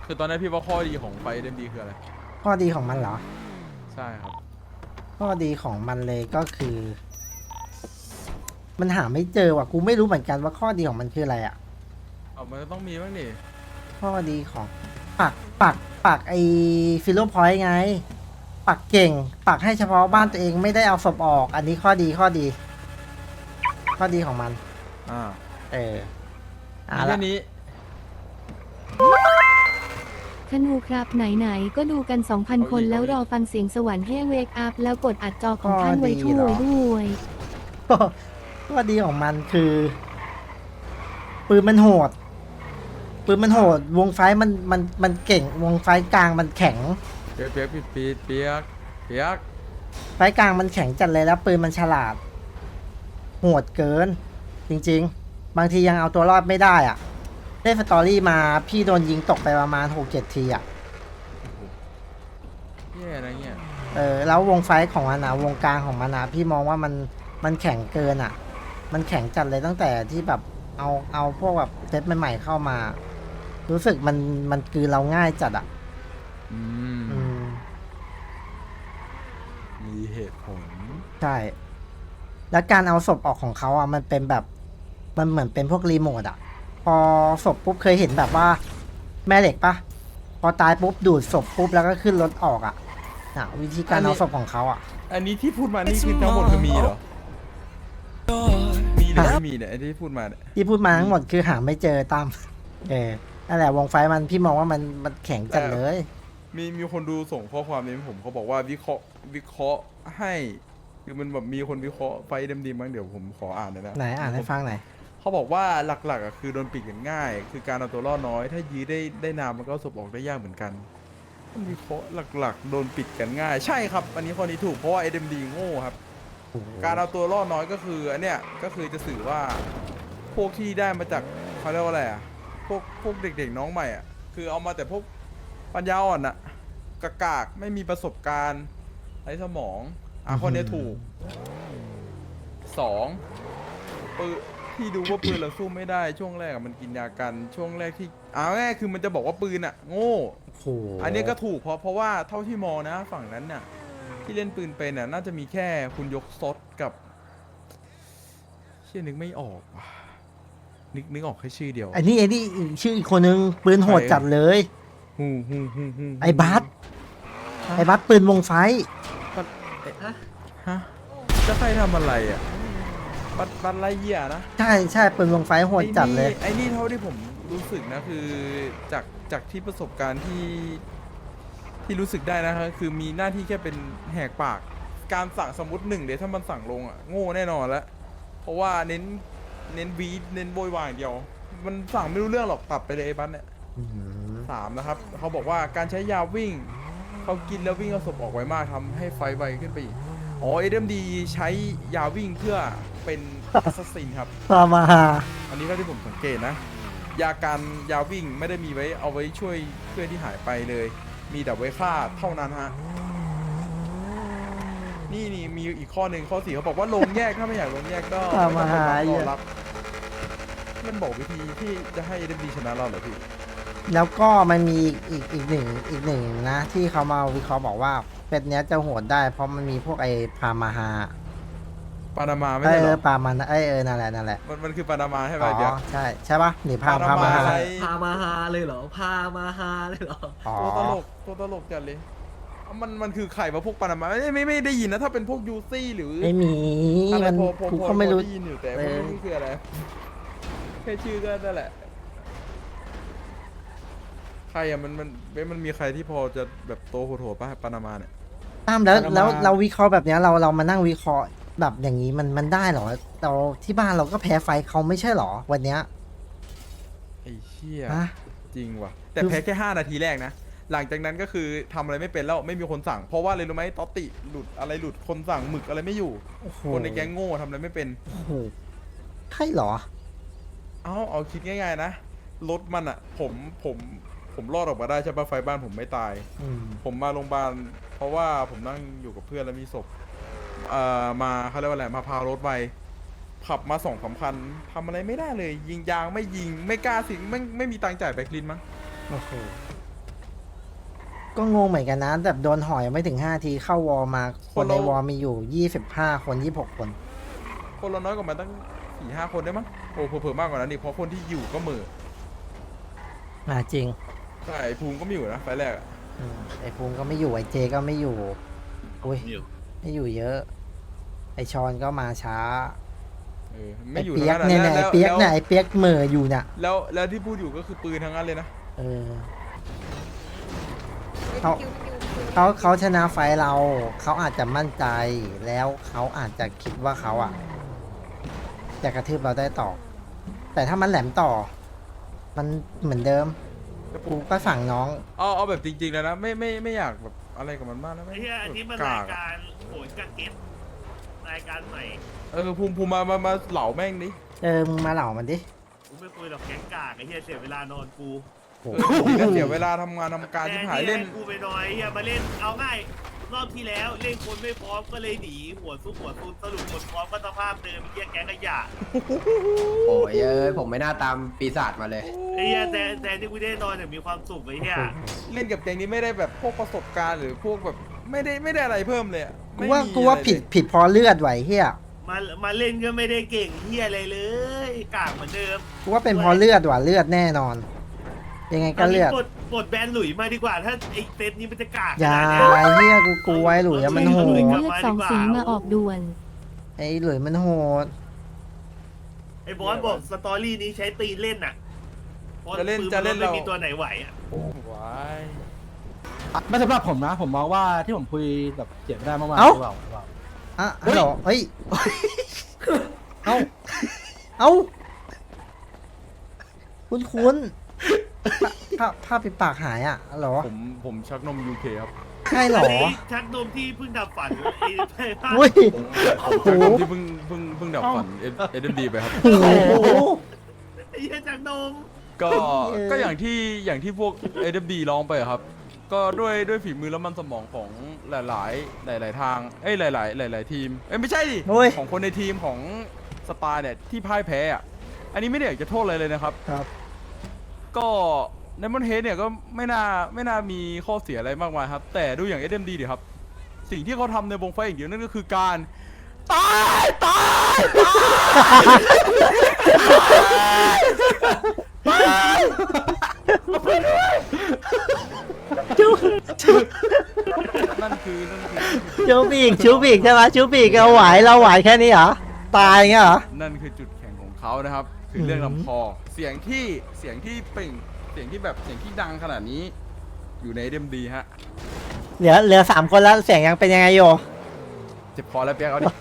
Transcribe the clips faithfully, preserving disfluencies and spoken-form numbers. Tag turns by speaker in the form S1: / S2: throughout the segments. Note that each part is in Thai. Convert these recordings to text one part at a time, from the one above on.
S1: คือตอนนี้พี่ว่าข้อดีของไฟเดมดีคืออะไร
S2: ข้อดีของมันเหรอ
S1: ใช่ครับ
S2: ข้อดีของมันเลยก็คือ มันหาไม่เจอว่ะกูไม่รู้เหมือนกันว่าข้อดีของมันคืออะไรอ่ะ
S1: เอามันก็ต้องมีบ้างดิ
S2: ข้อดีของปักปักปักไอฟิโลพอยต์ไง ปักเก่ง ปักให้เฉพาะบ้านตัวเองไม่ได้เอาศพออก อันนี้ข้อดีข้อดี ข้อดีของมัน
S1: อ่า
S2: เออ
S1: มี
S2: อ่ะ
S1: แค่
S2: ละ
S1: นี้
S3: ธนูครับไหนๆก็ดูกัน 2,000 คนแล้วรอฟังเสียงสวรรค์ให้เวกอัพแล้วกดอัดจอของท่านไว้ช่วยด้วย
S2: ข้อดีของมันคือ ปืนมันโหด ปืนมันโหด วงไฟมันมันมันเก่ง วงไฟกลางมันแข็ง
S1: เปียกเปียกปีดปีดเปียกเปียก
S2: ไฟกลางมันแข็งจัดเลยแล้วปืนมันฉลาด โหดเกิน จริงๆ บางทียังเอาตัวรอดไม่ได้อ่ะเล่นสตอรี่มาพี่โดนยิงตกไปประมาณหกเจ็ดทีอ่ะ
S1: แย่นะเนี่ย
S2: เออแล้ววงไฟของมันนะวงกลางของมันนะพี่มองว่ามันมันแข็งเกินอ่ะ มันแข็งจัดเลยตั้งแต่ที่แบบเอาเอาพวกแบบเซตใหม่ๆเข้ามา รู้สึกมันมันคือเราง่ายจัดอ่ะ
S1: อืม
S2: อืม
S1: มีเหตุผล
S2: ใช่ แล้วการเอาศพออกของเขาอ่ะมันเป็นแบบมันเหมือนเป็นพวกรีโมทอ่ะ พอศพปุ๊บเคยเห็นแบบว่า แม่เหล็กปะพอตายปุ๊บดูดศพปุ๊บแล้วก็ขึ้นรถออกอ่ะน่ะวิธีการเอาศพของเขาอ่ะ
S1: อันนี้ที่พูดมานี่คือทั้งหมดคือมีเหรอ มีหรือไม่มีเนี่ยไอ้ที่พูดมาเนี่ย
S2: ที่พูดมาทั้งหมดคือหาไม่เจอตาม เออนั่นแหละวงไฟมันพี่มองว่ามันมันแข็งจัดเลย
S1: มีมีคนดูส่งข้อความนี้ให้ผมเขาบอกว่าวิเคราะห์วิเคราะห์ให้คือมันแบบมีคนวิเคราะห์ไฟเดมดีมั้งเดี๋ยวผมขออ่านหน่อยนะ
S2: ไหนอ่านให้ฟังหน่อย
S1: เขาบอกว่าหลักๆอ่ะคือโดนปิดกันง่าย คือการเอาตัวรอดน้อย ถ้ายื้อได้ได้นานมันก็เอาศพออกได้ยากเหมือนกันมันวิเคราะห์หลักๆ โดนปิดกันง่าย ใช่ครับ อันนี้ข้อนี้ถูกเพราะว่าเอ็มดีโง่ครับ การเอาตัวรอดน้อยก็คืออันเนี้ยก็คือจะสื่อว่าพวกที่ได้มาจากเขาเรียกว่าอะไรอ่ะพวกพวกเด็กๆน้องใหม่อ่ะคือเอามาแต่พวกปัญญาอ่อนอ่ะกากากๆไม่มีประสบการณ์ไร้สมองอ่ะข้อนี้ถูกสองปืนที่ดูว่าปืนเราสู้ไม่ได้ช่วงแรกอะมันกินยากันช่วงแรกที่เอาง่ายๆคือมันจะบอกว่าปืนอ่ะโง่
S2: โอ้โห
S1: อันนี้ก็ถูกเพราะเพราะว่าเท่าที่มองนะฝั่งนั้นน่ะที่เล่นปืนเป็นน่ะน่าจะมีแค่คุณยกซดกับเชื่อนึกไม่ออกว่ะนึกนึกออกแค่ชื่อเดียว
S2: ไอ้นี่ไอ้นี่อีกชื่ออีกคนนึงปืนโหดจัดเลย
S1: ฮู้ฮู้ฮู้ฮู้
S2: ไอ้บัสไอ้บัสปืนวงไฟ
S1: ฮะจะใครทำอะไรอ่ะบัตบัตไรเหี้ยนะ
S2: ใช่ใช่ปืนวงไฟโหดจัดเลย
S1: ไอ้นี่ไอ้นี่เท่าที่ผมรู้สึกนะคือจากจากที่ประสบการณ์ที่ที่รู้สึกได้นะครับคือมีหน้าที่แค่เป็นแหกปาก การสั่งสมมติหนึ่งเดี๋ยวถ้ามันสั่งลงอ่ะโง่แน่นอนแล้วเพราะว่าเน้นเน้นวีดเน้นโวยวายอย่างเดียว มันสั่งไม่รู้เรื่องหรอกตัดไปเลยไอ้บัสเนี่ย
S2: อืม
S1: สามนะครับเขาบอกว่าการใช้ยาวิ่งเขากินแล้ววิ่งเอาศพออกไวมากทำให้ไฟไวขึ้นไปอีกอ๋อเอ็มดีใช้ยาวิ่งเพื่อเป็นแอสซัสซินครับ
S2: พามาหา
S1: อันนี้ก็ที่ผมสังเกตนะ ยาการยาวิ่งไม่ได้มีไว้เอาไว้ช่วยเพื่อนที่หายไปเลย มีแต่ไว้ฆ่าเท่านั้นฮะ นี่นี่มีอีกข้อหนึ่งข้อสี่เขาบอกว่าลงแยกถ้าไม่อยากลงแยกก็
S2: พามาหา
S1: ไม่
S2: เหี้
S1: ต้อย งรอรับมันบอกวิธีที่จะให้เดมดีชนะเราเหรอพี่
S2: แล้วก็มันมีอีกอีกอีกหนึ่งอีกหนึ่งนะ ที่เขามาวิเคราะห์บอกว่าเป็ดเนี้ยจะโหดได้ เพราะมันมีพวกไอ้พามาหา
S1: ปานามาไม่
S2: เอ
S1: ใช่เหร
S2: อ
S1: อ
S2: ปามันไอยเออนั่นแหละนั่นแหละ
S1: มันมันคือปานามาใช่ไหม
S2: อ๋อ
S1: เดี๋ยว
S2: ใช่ใช่ปะหนีพา
S1: ปานา
S2: พา
S1: มา
S2: มาหา
S1: ใช้
S4: พามาฮาเลยเหรอ พามาฮาเลยเหรอ
S2: อ๋อ
S1: ตัวตลกตัวตลกจัดเลยเอามันมันคือไข่มาพวกปานามาไม่ไม่ไม่ได้ยินนะถ้าเป็นพวกยูซี่หรือ
S2: ไม่มี
S1: อะไร
S2: มัน
S1: พอพอ
S2: กู
S1: พอ
S2: ก็ไม่รู้
S1: พอได้ยินอยู่แต่
S2: เอ
S1: ไม่
S2: อ
S1: รู้คืออะไรแค่ชื่อก็นั่นแหละใครอะมันมันเว้ยมันมีใครที่พอจะแบบโตโหดๆป่ะปานามาเนี่ย
S2: ตามแล้ว
S1: ปานามา
S2: แล้วเราวิเคราะห์แบบเนี้ยเราเรามานั่งวิเคราะห์แบบอย่างนี้มันมันได้เหรอเราที่บ้านเราก็แพ้ไฟเขาไม่ใช่เหรอวันเนี้ย
S1: ไอ้เชี่ย
S2: ฮะ
S1: จริงว่ะแต่แพ้แค่ห้านาทีแรกนะหลังจากนั้นก็คือทำอะไรไม่เป็นแล้วไม่มีคนสั่งเพราะว่าอะไรรู้ไหมตอตติหลุดอะไรหลุดคนสั่งหมึกอะไรไม่อยู่
S2: โอ้โห
S1: คนในแก๊งโง่ทำอะไรไม่เป็น
S2: โอ้โหใช่เหรอ
S1: เอาเอาคิดง่ายๆนะรถมันอะผมผมผมรอดออกมาได้ใช่ปะไฟบ้านผมไม่ตาย
S2: อืม
S1: ผมมาโรงพยาบาลเพราะว่าผมนั่งอยู่กับเพื่อนแล้วมีศพเอ่อมาเขาเรียกว่าอะไรมาพารถไปขับมาสองสามคันทำอะไรไม่ได้เลย ยิงยางไม่ยิงไม่กล้าสิงไม่ไม่มีตังค์จ่ายแบคลินมั้ง
S2: โอ้โหก็งงเหมือนกันนะแบบโดนห่อยังไม่ถึงห้าทีเข้าวอลมาคนในวอลมีอยู่ยี่สิบห้าคนยี่สิบหกคน
S1: คนเราน้อยกว่ามันตั้งสี่ห้าคนได้มั้งโอ้เผื่อๆมากกว่านั้นอีกเพราะคนที่อยู่ก็เหมือ
S2: อ่าจริง
S1: ใช่ไอ้ภูมิก็ไม่อยู่นะไฟล์แรกอะ
S2: อืมไอภูมิก็ไม่อยู่ไอเจก็ไม่อยู่อุ้ยไม่อยู่เยอะ ไอชอนก็มาช้า
S1: เออ
S2: ไอ
S1: ไม่อยู่
S2: เปียก
S1: ทั้ง
S2: เนี่ยเนี่ยไอ
S1: แล้ว
S2: เปียกเนี่ย
S1: แล้ว
S2: ไอเปียกเหม่ออยู่น่ะ
S1: แล้วแล้วที่พูดอยู่ก็คือปืนทั้งนั้นเลยนะ
S2: เออเขาเขาเขาชนะไฟท์เรา เขาอาจจะมั่นใจแล้วเขาอาจจะคิดว่าเขาอ่ะจะกระทืบเราได้ต่อ แต่ถ้ามันแหลมต่อ มันเหมือนเดิมกูก็สั่งน้อง
S1: เอาเอาแบบจริงๆแล้วนะไม่ไม่ไม่อยากแบบอะไรกับมันมากนะไม่
S5: ไอ้เหี้ยอันนี้มัน
S1: ก
S5: ราย
S1: อะ
S5: การโหนกระเก็ตรายการใหม่
S1: เออภูมิภูมิมามามาเหล่าแม่งดิ
S2: เออมึงมาเหล่ามันดิ
S5: กูไม่คุยหรอกแก๊งกากไอ้เหี้ยเสียเวลานอนกู
S2: โอ้
S1: เออดีนะเสียเวลาทำงานทำการที่หายเล่น
S5: ให้กูไปนอนไอ้เหี้ยมาเล่นเอาง่ายรอบที่แล้วเล่นคนไม่พร้อมก็เลยหนีหัวซุกหัวซุนสรุปคนพร้อมก็สภาพเดิมไอ้เหี้ยแก๊งขยะ
S6: โอ้ยเอ้ยผมไม่น่าตามปีศาจมาเลย
S5: ไอ้เหี้ยแต่แต่ที่กูได้นอนเนี่ยมีความสุขไอ้เหี้ย
S1: เล่นกับแกงนี้ไม่ได้แบบพวกประสบการณ์หรือพวกแบบไม่ได้ไม่ได้อะไรเพิ่มเลยอะ
S2: กู
S1: ไม่
S2: ว่า
S1: มี
S2: กูว่า
S1: อะไร
S2: ผิด
S1: เลย
S2: ผิดเพอเลือดไหวเฮีย
S5: มามาเล่นก็ไม่ได้เก่งเหี้ยอะไรเลยกากเหมือนเดิม
S2: กูว่าเป็นเพอเลือดว่ะเลือดแน่นอน ยังไงก็เลือด
S5: ปลดปลดแบนหลุยมาดีกว่าถ้าไอ้เซตนี้มันจะกาก
S2: อย่า
S5: ขนาดเนี้ย
S2: เฮียกูกลัวไอ้หลุยอะมันโห
S3: เลื
S2: ด
S3: อดสองสีมาออกด่วน
S2: ไอ้หลุยมันโหด
S5: ไอ้บอสบอกสตอรี่นี้ใช้ตีนเล่นน่ะพรา
S1: จะเล่น
S5: ปื
S1: จะเล่น
S5: ไม่
S1: เรา
S5: มีตัวไหนไหวอ่ะ
S1: ว้าย
S7: ไม่สำหรับผมนะ ผมมองว่าที่ผมคุยแบบเจ็บไม่ได้เมื่อวาน
S2: เอ้า
S7: หรือเปล่าหรือเปล่า
S2: อ่ะฮัลโหลเฮ้ย เอ้า เอ้า คุณคุณผ้าผ้าปิดปากหายอ่ะเหรอ
S1: ผมผมชักนมยูเคครับ
S2: ใช่เหรอ
S5: นนี้ชักนมที่เพิ่งดับฝันไอ้ไอ้ภาพ
S2: อุ้ย
S1: ผมชักนมที่เพิ่งเพิ่งเพิ่งดับฝันเอเดนดีไปครับ
S2: โอ้โห
S5: ไอ้เหี้ยชักนม
S1: ก็
S2: เออ
S1: ก็อย่างที่อย่างที่พวก เอ เด ดี ร้องไปอะครับ ก็ด้วยด้วยฝีมือและมันสมองของหลาย ๆ หลาย ๆ ทาง เอ้ยหลาย ๆ หลาย ๆ ทีม เอ้ยไม่ใช่ดิ
S2: โอ้ย
S1: ของคนในทีมของสปาเนี่ยที่พ่ายแพ้อะอันนี้ไม่ได้อยากจะโทษอะไรเลยนะครับ
S2: ครับ
S1: ก็ในมอนเฮดเนี่ยก็ไม่น่าไม่น่ามีข้อเสียอะไรมากมายครับ แต่ดูอย่าง เอ เด ดี ดิครับ สิ่งที่เขาทำในวงไฟอย่างเดียวนั่นก็คือการตายตายตายนั่นคือนั่นคือ
S2: ชูบีกชูบีกใช่ไหมชูบีกเราไหวเราไหวแค่นี้เหรอ ตายอย่างเงี้ยเหรอ
S1: นั่นคือจุดแข็งของเขานะครับ คือเรื่องลำคอเสียงที่เสียงที่เปล่งเสียงที่แบบเสียงที่ดังขนาดนี้ อยู่ใน เอ เด ดี ฮะ
S2: เหลือเหลือสามคนแล้วเสียงยังเป็นยังไงโย
S1: เจ็บคอแล้วเปียกเอาดิ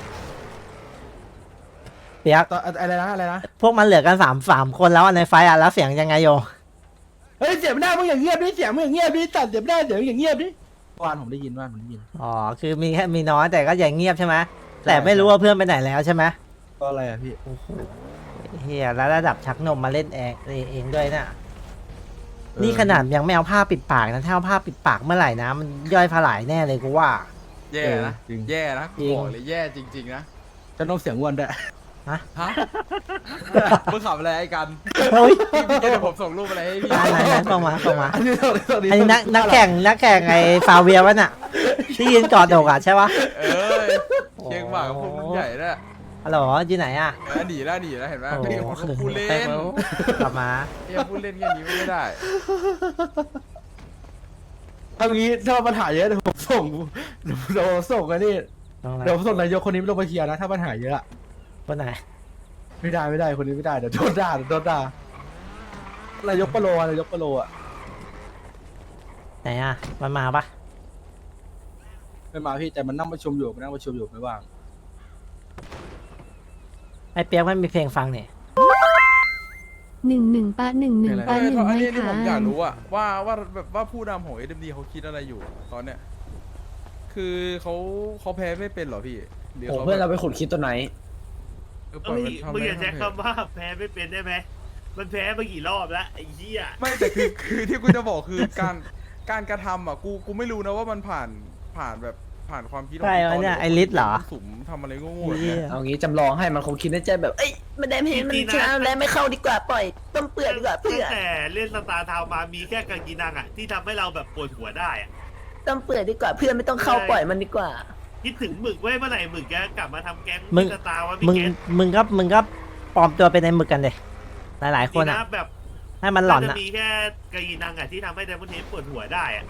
S2: เปียก
S7: ต่ออะไรนะอะไรนะ
S2: พวกมันเหลือกันสามสามคนแล้วอะในไฟท์อะแล้วเสียงยังไงโย
S7: เฮ้ยเจ็บไม่ได้มึงอย่างเงียบดิเสียงมึงอย่างเงียบดิตัดเจ็บไม่ได้เสียงมึงอย่างเงียบดิเมื่อวานผมได้ยินว่าผมได้ยิน
S2: อ๋อ คือมีแค่มีน้อยแต่ก็อย่างเงียบใช่ไหมแต่ไม่รู้ว่าเพื่อนไปไหนแล้วใช่ไหม
S7: ก็อะไรอะพี่
S2: เฮียแล้วระดับชักนมมาเล่นเองเองด้วยน่ะ นี่ขนาดยังไม่เอาผ้าปิดปากนะถ้าเอาผ้าปิดปากเมื่อไหร่นะ มันย่อยผลายแน่เลยกูว่า
S1: แย่นะ
S7: จริง
S1: แย่นะ
S2: จริ
S1: กู
S2: ง
S1: บอกเลยแย่จริง ๆ นะ
S7: จะต้องเสียงอ้วนด้วย
S2: ฮะ
S1: ฮะ มึงขับอะไรไอ้กัน
S2: เฮ้ย
S1: พี่พี่เดี๋ยวผมส่งรูปอะไรให้พี่
S2: ไหนไหนไหนส่งมาส่งมา
S7: อันนี้ตัวนี้ตัวนี้
S2: อันนี้นักนักแข่งนักแข่งไอ้ฟาเวียวะน่ะ ที่ยืนกอดอกอ่ะใช่ปะ
S1: เออเชียงหมากกับพวกรุ่นใหญ่น่ะ
S2: ฮัลโหลอยู่ไหนอ่ะ
S1: เออหนีแล้วหนีแล้วเห็นไหม
S2: โอ้
S1: พี่
S2: โห
S1: เขาพูดเล่น
S2: กลับมา
S1: พี่พูดเล่นแค่นี้ไม่ได้
S7: ทำงี้ถ้าปัญหาเยอะเดี๋ยวผมส่งเดี๋ยวเดี๋ยวผมส่งกันนี่
S2: ตรงไหน
S7: เดี๋ยวผมส่งนายกคนนี้ลงมาเคลียร์นะถ้าปัญหาเยอะอะ
S2: คนไหน
S7: ไม่ได้ไม่ได้คนนี้ไม่ได้เดี๋ยวโดนด่าเดี๋ยวโดนด่านายกปะโลอะนายกปะโลอะ
S2: ไหนอ่ะมันมาปะ
S7: ไม่มาพี่แต่มันนั่งประชุมอยู่มันนั่งประชุมอยู่ไม่ว่าง
S2: ไอ้เปียกมันมีเพลงฟังเนี่ย
S3: หนึ่งหนึ่งปะหนึ่งหนึ่ง
S1: เอ
S3: ปะ
S1: อ
S3: หนึ่ง
S1: อัน
S3: ไม่
S1: นี้ที่
S3: ขา
S1: ผมอยาก
S3: น
S1: รู้อะว่าว่าแบบว่าผู้นำของ เอ เด ดี เขาคิดอะไรอยู่ตอนเนี้ยคือเขาเขาแพ้ไม่เป็นเหรอพี่หรือ
S6: โอ้
S1: เขา
S6: เพื่อนเราไปขุดคิดตัวไหน
S1: เออป
S5: เอ้
S1: ล่อย
S5: ย
S1: มันทำ
S5: มึง
S1: ไป
S5: อย่าใช้
S1: ทำไป
S5: คำว่าแพ้ไม่เป็นได้ไหมมันแพ้มากี่รอบแล้วไอ้เหี้ย
S1: ไม่แต่คือคือที่กูจะบอกคือการการกระทำอ่ะกูกูไม่รู้นะว่ามันผ่านผ่านแบบผ่านความคิดขง
S2: ใช่
S1: พี่
S2: วะ
S1: ต้
S2: เนี่ย
S1: ลว่า
S2: ไอ้ลิศเหรอ
S1: มันสุ่มทำอะไรโง่ๆแบบเนี้ย
S7: เอางี้จำลองให้มันคงคิดในใจแบบเอ้ยมันได้ไม่เห็นมันชนะแล้วไม่เข้าดีกว่าปล่อยต้มเปื่อยดีกว่าเพื่
S5: ตั้
S7: อง
S5: แต่เล่นสตาร์ทาวน์มามีแค่กากินังอ่ะที่ทำให้เราแบบปวดหัวได้อ่ะ
S7: ต้มเปื่อยดีกว่าเพื่อนไม่ต้องเข้าปล่อยมันดีกว่า
S5: คิดถึงหมึกเว้ยเมื่อไหร่หมึกจะกลับมาทำแก๊ง
S2: มึง
S5: สตาร์วะ
S2: มึ
S5: พี่
S2: ง
S5: แก๊ง
S2: มึงก็มึงก็ปลอมตัวเป็นในหมึกกันเลยหลายๆคน
S5: จริง
S2: อ่ะ
S5: นะแบบ
S2: ให้มันหลอน
S5: จะ
S2: อ่ะ
S5: มีแค่กากินังอ่ะที่ทำให้ไดมอนด์เฮดปวดหัวได้อ่ะ